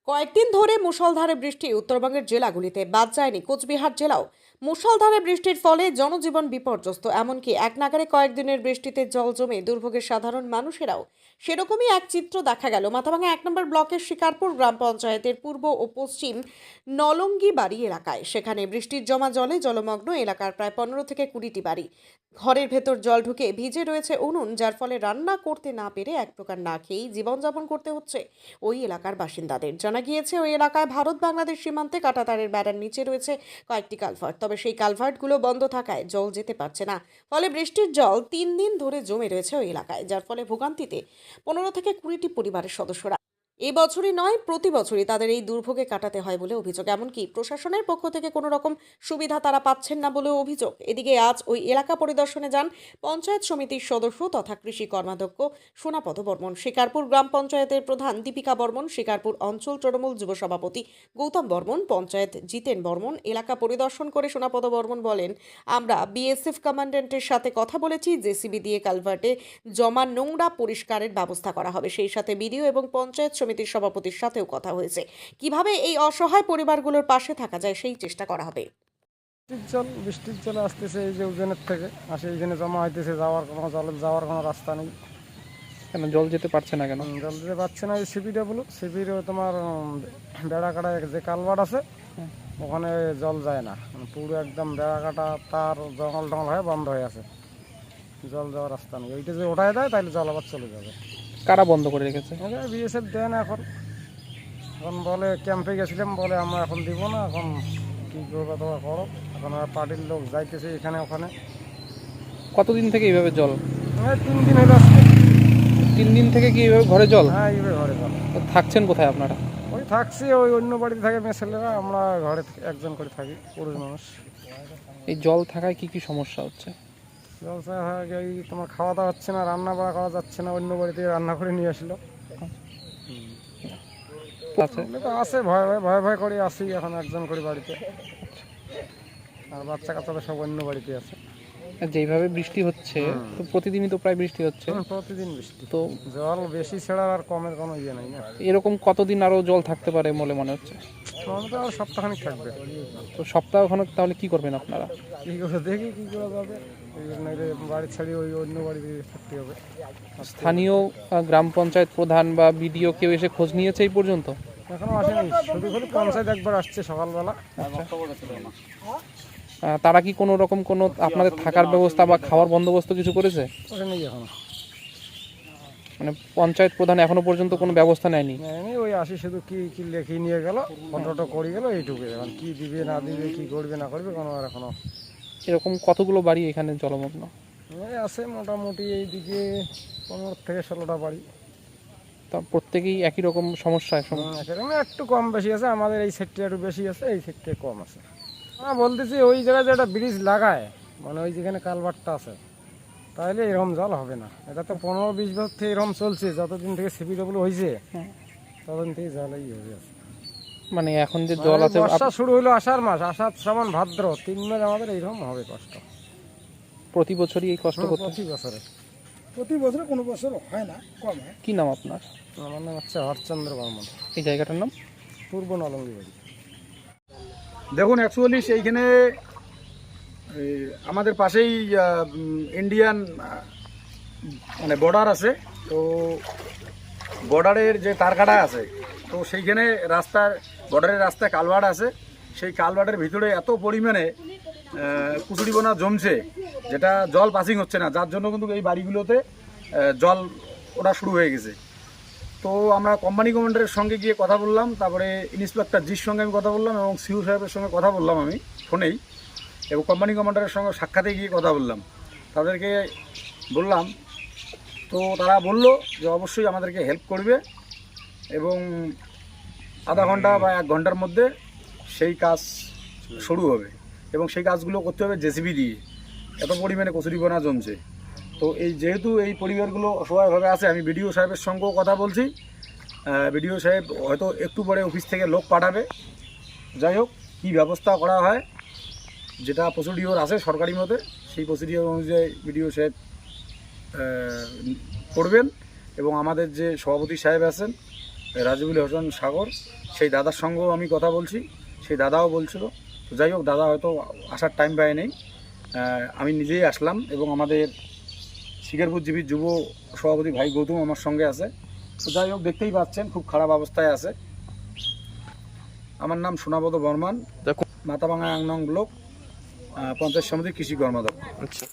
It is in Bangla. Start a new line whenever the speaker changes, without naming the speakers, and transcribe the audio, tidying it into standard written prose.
কয়েকদিন ধরে মুষলধারে বৃষ্টি উত্তরবঙ্গের জেলাগুলিতে, বাদ যায়নি কোচবিহার জেলাও। মুষলধারে বৃষ্টির ফলে জনজীবন বিপর্যস্ত, এমনকি এক নাগাড়ে কয়েকদিনের বৃষ্টিতে জল জমে দুর্ভোগের সাধারণ মানুষেরাও। সেরকমই এক চিত্র দেখা গেল মাথাভাঙা 1 নম্বর ব্লকের শিকারপুর গ্রাম পঞ্চায়েতের পূর্ব ও পশ্চিম নলঙ্গি বাড়ি এলাকায়। সেখানে বৃষ্টির জমা জলে জলমগ্ন এলাকার প্রায় 15 থেকে 20টি বাড়ি। ঘরের ভেতর জল ঢুকে ভিজে রয়েছে উনুন, যার ফলে রান্না করতে না পেরে এক প্রকার না খেয়েই জীবনযাপন করতে হচ্ছে ওই এলাকার বাসিন্দাদের। জানা গিয়েছে ওই এলাকায় ভারত বাংলাদেশ সীমান্তে কাঁটাতারের বেড়ার নিচে রয়েছে কয়েকটি কালভার্ট, তবে সেই কালভার্টগুলো বন্ধ থাকায় জল যেতে পারছে না। ফলে বৃষ্টির জল 3 দিন ধরে জমে রয়েছে ওই এলাকায়, যার ফলে ভোগান্তিতে 15 থেকে 20টি পরিবারের সদস্যরা। এই বছরই নয়, প্রতি বছরই তাদের এই দুর্ভোগে কাটাতে হয় বলে অভিযোগ। এমনকি প্রশাসনের পক্ষ থেকে কোনো রকম সুবিধা তারা পাচ্ছেন না বলেও অভিযোগ। এদিকে আজ ওই এলাকা পরিদর্শনে যান পঞ্চায়েত সমিতির সদস্য তথা কৃষি কর্মাধ্যক্ষ সোনাপদ বর্মন, শিকারপুর গ্রাম পঞ্চায়েতের প্রধান দীপিকা বর্মন, শিকারপুর অঞ্চল তৃণমূল যুব সভাপতি গৌতম বর্মন, পঞ্চায়েত জিতেন বর্মন। এলাকা পরিদর্শন করে সোনাপদ বর্মন বলেন, আমরা বিএসএফ কমান্ড্যান্টের সাথে কথা বলেছি, জেসিবি দিয়ে কালভার্টে জমা নোংরা পরিষ্কারের ব্যবস্থা করা হবে। সেই সাথে বিডিও এবং পঞ্চায়েত সমিতির সভাপতির সাথেও কথা হয়েছে, কিভাবে এই অসহায় পরিবারগুলোর পাশে থাকা যায় সেই চেষ্টা করা হবে।
বৃষ্টির জল আসতেছে, এই যে উজনের থেকে আসে, এইখানে জমা হইতেছে, যাওয়ার কোনো রাস্তা নেই।
কেন জল যেতে পারছে না কেন?
জল দিতে পারছে না। এই সিপির তোমার বেড়া কাটা যে কালভার্ট আছে ওখানে জল যায় না, পুরো একদম বেড়া কাটা তার জঙ্গল টঙ্গল হয়ে বন্ধ হয়ে আছে, জল যাওয়ার রাস্তা নেই। ওইটা যে ওঠায় দেয় তাহলে জল আবার চলে যাবে।
কারা বন্ধ করে রেখেছে?
বিএসএফ দেয় না এখন। এখন বলে ক্যাম্পে গেছিলাম, বলে আমরা এখন দিব না, এখন কী করবে তোমরা করো। এখন আর পার্টির লোক যাইতেছে এখানে ওখানে।
কতদিন থেকে এইভাবে জল?
3 দিন হলো আজকে।
3 দিন থেকে কি এইভাবে ঘরে জল?
হ্যাঁ, এইভাবে ঘরে জল।
তো থাকছেন কোথায় আপনারা?
ওই থাকছি, ওই অন্য বাড়িতে থাকে মেয়ে ছেলেরা, আমরা ঘরে একজন করে থাকি, পুরুষ মানুষ।
এই জল থাকায় কি কি সমস্যা হচ্ছে?
জল এই তোমার খাওয়া দাওয়া হচ্ছে না, রান্না বাড়া করা যাচ্ছে না, অন্য বাড়ি থেকে রান্না করে নিয়ে আসলো।
আছে
আছে, ভয় ভয় করে আসি এখন একজন করে বাড়িতে, আর বাচ্চা কাচ্চারা সব অন্য বাড়িতে আছে।
যেইভাবে বৃষ্টি হচ্ছে, তো প্রতিদিনই তো প্রায় বৃষ্টি হচ্ছে।
প্রতিদিন বৃষ্টি,
তো
জল বেশি ছাড়া আর কমের কোনো ইয়ে নাই না।
এরকম কতদিন আরো জল থাকতে পারে বলে মনে হচ্ছে?
তো আর সপ্তাহখানিক থাকবে।
তো সপ্তাহখানেক তাহলে কি করবেন আপনারা?
কী করে দেখি কী করা যাবে, বাড়ি ছাড়িয়ে ওই অন্য বাড়িতে থাকতে হবে।
স্থানীয় গ্রাম পঞ্চায়েত প্রধান বা বিডিও কেউ এসে খোঁজ নিয়েছে এই পর্যন্ত?
এখনো আসেনি, শুধু শুধু পঞ্চায়েত একবার আসছে সকালবেলা।
তারা কি কোনো রকম কোনো আপনাদের থাকার ব্যবস্থা বা খাওয়ার বন্দোবস্ত কিছু করেছে?
নেই এখনো,
মানে পঞ্চায়েত প্রধান এখনো পর্যন্ত কোনো ব্যবস্থা নেয়নি?
ওই আসি শুধু কি কি লেখি নিয়ে গেল, ফটোটো করে গেল, এইটুকু। এখন কি দিবে না দিবে, কি করবে না করবে কোনো আর এখনো।
এরকম কতগুলো বাড়ি এখানে জলমগ্ন?
আছে মোটামুটি এইদিকে 15 থেকে 16টা বাড়ি।
তা প্রত্যেকেই একই রকম সমস্যা?
একটু কম বেশি আছে, আমাদের এই সেক্টরে একটু বেশি আছে, এই সেক্টরে কম আছে। বলতেছি ওই জায়গায় যে একটা ব্রিজ লাগায়, মানে ওই যেখানে কালভার্টটা আছে, তাহলে এরকম জল হবে না। এটা তো 15-20 বছর থেকে এরকম চলছে, যতদিন থেকে সিপিডব্লিউ হয়েছে ততদিন থেকে জল এই হয়ে আছে।
মানে এখন যে জল আছে,
বর্ষা শুরু হলো আষাঢ় মাস, আষাঢ় শ্রাবণ ভাদ্র 3 মাস আমাদের এইরকম হবে কষ্ট।
প্রতি বছরই এই কষ্ট করতে?
প্রতি বছরে কোনো বছর হয় না, কম হয়।
কি নাম আপনার?
আমার নাম হচ্ছে হরচন্দ্র বর্মন।
এই জায়গাটার নাম?
পূর্ব নলঙ্গি বাড়ি।
দেখুন, অ্যাকচুয়ালি সেইখানে আমাদের পাশেই ইন্ডিয়ান মানে বর্ডার আছে। তো বর্ডারের যে তারকাটা আছে, তো সেইখানে রাস্তার বর্ডারের রাস্তায় কালভার্ট আছে। সেই কালভার্টের ভিতরে এত পরিমাণে কুচুরিবোনা জমছে, যেটা জল পাসিং হচ্ছে না, যার জন্য কিন্তু এই বাড়িগুলোতে জল ওঠা শুরু হয়ে গেছে। তো আমরা কোম্পানি কমান্ডারের সঙ্গে গিয়ে কথা বললাম, তারপরে ইন্সপেক্টর জির সঙ্গে আমি কথা বললাম, এবং সিউ সাহেবের সঙ্গে কথা বললাম আমি ফোনেই, এবং কোম্পানি কমান্ডারের সঙ্গে সাক্ষাতে গিয়ে কথা বললাম, তাদেরকে বললাম। তো তারা বলল যে অবশ্যই আমাদেরকে হেল্প করবে, এবং আধা ঘন্টা বা 1 ঘন্টার মধ্যে সেই কাজ শুরু হবে, এবং সেই কাজগুলো করতে হবে জেসিবি দিয়ে। এত পরিমাণে কচুরিপানা জমছে। তো এই যেহেতু এই পরিবারগুলো অসহায়ভাবে আছে, আমি বিডিও সাহেবের সঙ্গেও কথা বলছি। বিডিও সাহেব হয়তো একটু পরে অফিস থেকে লোক পাঠাবে। যাই হোক, কী ব্যবস্থা করা হয়, যেটা প্রসিডিওর আছে সরকারি মতে, সেই প্রসিডিওর অনুযায়ী বিডিও সাহেব করবেন। এবং আমাদের যে সভাপতি সাহেব আছেন, রাজিবুল হোসেন সাগর, সেই দাদার সঙ্গেও আমি কথা বলছি, সেই দাদাও বলছিল। তো যাই হোক, দাদা হয়তো আসার টাইম পায় নেই, আমি নিজেই আসলাম এবং আমাদের শিকারপুরজীবী যুব সভাপতি ভাই গৌতম আমার সঙ্গে আছে। তো যাই হোক, দেখতেই পাচ্ছেন খুব খারাপ অবস্থায় আছে। আমার নাম সোনাপদ বর্মান,
দেখো
মাথাভাঙা 1 নং ব্লক পঞ্চায়েত সমিতির কৃষি কর্মদক্ষ।
আচ্ছা